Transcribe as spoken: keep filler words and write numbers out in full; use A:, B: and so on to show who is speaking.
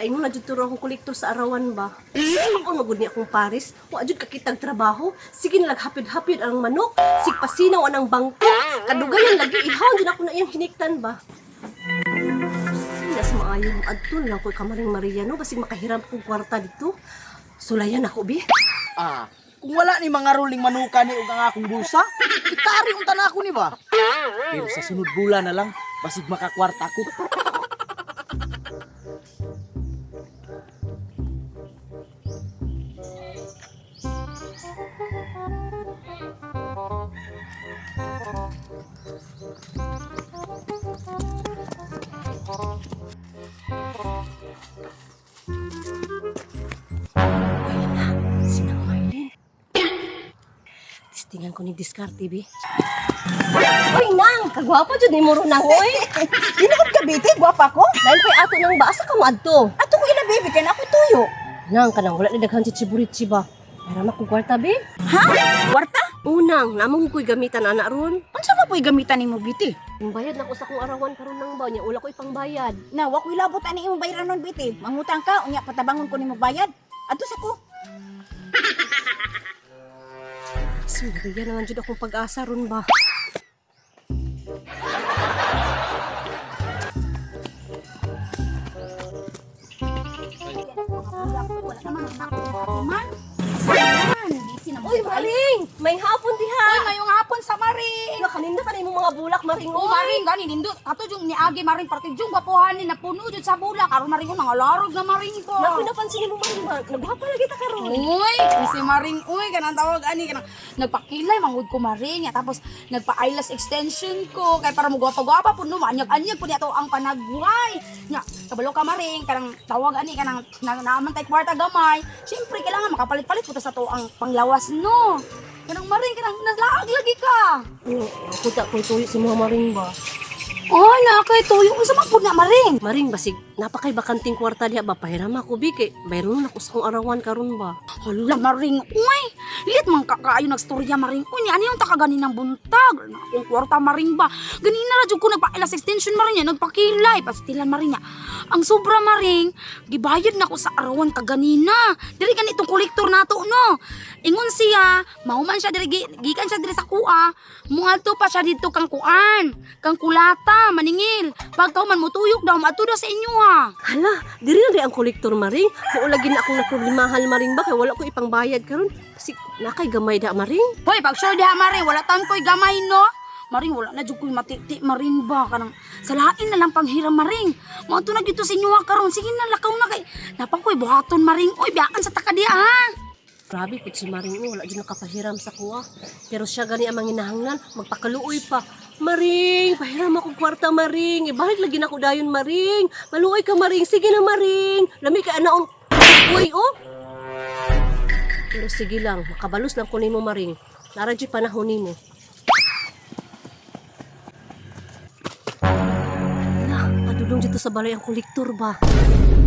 A: Paingon na jud turo akong kolektor sa arawan ba. Ako magud ni akong pares. Wa jud kakitag trabaho. Sige na laghapid-hapid ang manok. Sig pasinaw anang bangko. Kadugayan lagi ihawon jud ako na iyang hiniktan ba. Sinas maayong adto lang ko'y kamaring Maria no basig makahiram kong kwarta dito. Sulayan ako bi.
B: Ah, kung wala ni mga ruling manuka ni ug ang akong bulsa, itari unta na ako ni ba? Pero sa sunod bulan na lang, basig makakwarta ko.
A: Sinang Marlene. Tistingan ko ni diskarte bi. Oy nang, kagwapo jud ni mo ro nang oy.
C: Dinakot ka, Biti? Gwapa ko?
A: Dahil kay ato nang baasa ka mo adto.
C: Ato ko ila, baby, kaya na ako tuyo.
A: Nang kanang wala ni daghan si Chiburitsi ba. Para ko kwarta bi.
C: Ha? Kwarta?
A: Unang, namong ko'y gamitan ana ron.
C: Unsa ba po'y gamitan ni mo, Biti?
A: Yung bayad na ko sa kong arawan karon nang ba niya, wala ko ipangbayad.
C: Na, wa ko ilabot ani imong bayaran nun, Biti. Mangutang ka, unya patabangon ko nimo bayad. Ato sa ko.
A: Sinariya naman jud akong pag-asa ron ba.
C: Wala naman ang nakot man. Asahan, busy na mo.
A: Uy, Maring! May hapon diha!
D: Uy, ngayong hapon sa Maring.
A: Nga, kanina ka na yung mga bulak, Maring.
D: Oh, Maring, gani nindot. Ato yung niagi Maring partid yung gwapuhan ni napuno jud sa bulak. Karon Maring ko nangalarog na Maring ko.
A: Naku, napansin mo, Maring ba? Nagwapa lagi ta karon.
D: Uy, si Maring, uy, kanang tawag ani kanang nagpakilay mangud ko Maring, ya, tapos nagpa-eyelash extension ko kay para mo gwapa-gwapa puno maanyag-anyag pud ato ang panagbuhay. Nya, kabalo ka Maring, kanang tawag ani kanang na, naaman tay kwarta gamay. Syempre kailangan makapalit-palit pud sa to ang panglawas no. Kanang Maring kanang nalaag lagi ka.
A: Ano, ako ta ko'y tuyo si mga Maring ba?
D: Oh, nakay tuyo unsa man pud na Maring?
A: Maring, basig, napakay bakanting kwarta diha ba? Pahiram ako, Bi, kay bayron ako sa kong arawan karon ba?
D: Hala, Maring, uy! Lit man kakaayo nagstorya, Maring. Uy, ano yung takagani ng buntag? Na akong kwarta, Maring ba? Ganina na, ko nagpa-elas extension, Maring niya. Nagpakilay, pastilan, Maring niya. Ang sobra, Maring, gibayad na ko sa arawan kaganina. Diri ganitong kolektor nato, no? Ingon siya, mauman siya diri, gi- gikan siya diri sa kuha. Muadto pa siya dito kang kuan, kang kulata, maningil. Pagkaw man mutuyok daw, matudo sa inyo, ha?
A: Hala, diri na rin ang kolektor, Maring. Maulagi na akong nagproblemahan, Maring ba? Kay wala ko ipang bayad karon. Kasi nakay gamay da, Maring.
D: Hoy, pag sure diha, Maring, wala tan ko'y gamay, no? Maring, wala na dyan ko'y matiti, Maring ba? Kanang, salain na lang panghiram, Maring. Mga to na dito sa inyo, ha, karon. Sige na, lakaw na kay. Napang ko'y buhaton, Maring. Uy, biyaan sa taka diha, ha?
A: Grabe, put si Maring, oh, wala dyan nakapahiram sa kuha. Pero siya gani ang manginahanglan, magpakaluoy pa. Maring, pahiram ako kwarta, Maring. Ibalik lagi na ako dayon, Maring. Maluoy ka, Maring. Sige na, Maring. Lami ka, anaon. Uy, oh. Pero sige lang, makabalos lang ko nimo, Maring. Lara dyan panahon nimo. Ala, padulong dito sa balay ang kolektor ba?